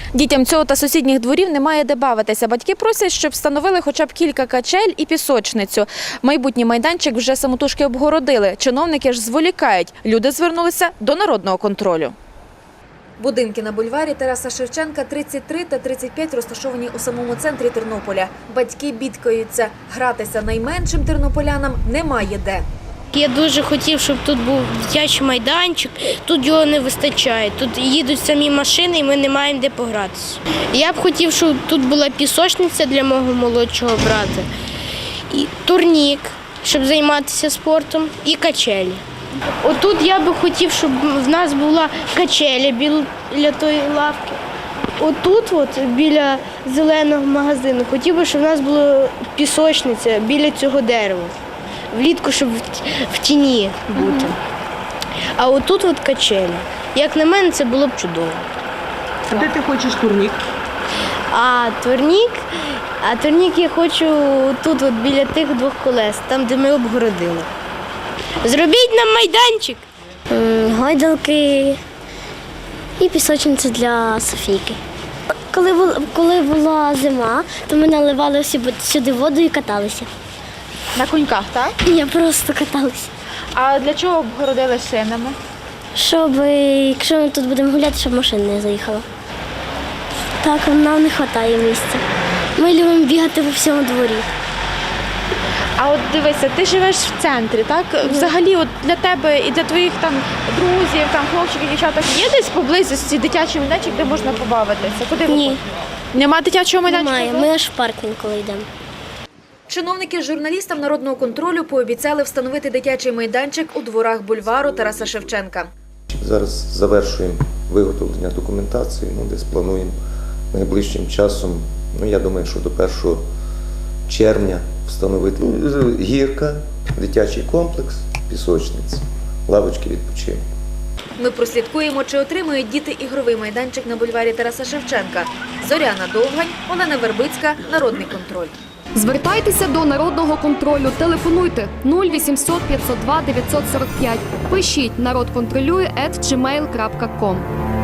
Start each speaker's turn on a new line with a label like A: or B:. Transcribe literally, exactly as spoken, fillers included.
A: Дітям цього та сусідніх дворів немає де бавитися. Батьки просять, щоб встановили хоча б кілька качель і пісочницю. Майбутній майданчик вже самотужки обгородили. Чиновники ж зволікають. Люди звернулися до народного контролю. Будинки на бульварі Тараса Шевченка тридцять три та тридцять п'ять розташовані у самому центрі Тернополя. Батьки бідкаються. Гратися найменшим тернополянам немає де.
B: Я дуже хотів, щоб тут був дитячий майданчик, тут його не вистачає. Тут їдуть самі машини і ми не маємо де погратися. Я б хотів, щоб тут була пісочниця для мого молодшого брата, і турнік, щоб займатися спортом, і качелі. Отут я би хотів, щоб в нас була качеля біля тої лавки. Отут, от, біля зеленого магазину, хотів би, щоб в нас була пісочниця біля цього дерева. Влітку, щоб в тіні бути. А отут от качелі. Як на мене, це було б чудово.
C: А де ти хочеш турнік?
B: А турнік, а турнік я хочу тут, от, біля тих двох колес, там, де ми обгородили. Зробіть нам майданчик.
D: Гойдалки і пісочниця для Софійки. Коли була, коли була зима, то ми наливали сюди воду і каталися.
A: На коньках, так?
D: Я просто каталася.
A: А для чого обгородили шинами?
D: Щоб, якщо ми тут будемо гуляти, щоб машина не заїхала. Так, нам не вистачає місця. Ми любимо бігати по всьому дворі.
A: А от дивися, ти живеш в центрі, так? Взагалі от для тебе і для твоїх там друзів, там хлопчиків, дівчаток є десь поблизості дитячий майданчик, де можна побавитися? Куди ви
D: Ні.
A: ходите? Нема дитячого майданчика?
D: Немає, ми аж в парк інколи йдемо.
A: Чиновники журналістам народного контролю пообіцяли встановити дитячий майданчик у дворах бульвару Тараса Шевченка.
E: Зараз завершуємо виготовлення документації, ну, десь плануємо найближчим часом, ну, я думаю, що до першого червня встановити гірка, дитячий комплекс, пісочниця, лавочки відпочинку.
A: Ми прослідкуємо, чи отримують діти ігровий майданчик на бульварі Тараса Шевченка. Зоряна Довгань, Олена Вербицька, Народний контроль.
F: Звертайтеся до Народного контролю, телефонуйте нуль вісімсот п'ятсот два дев'ятсот сорок п'ять, пишіть народ контролює ет джі мейл крапка ком.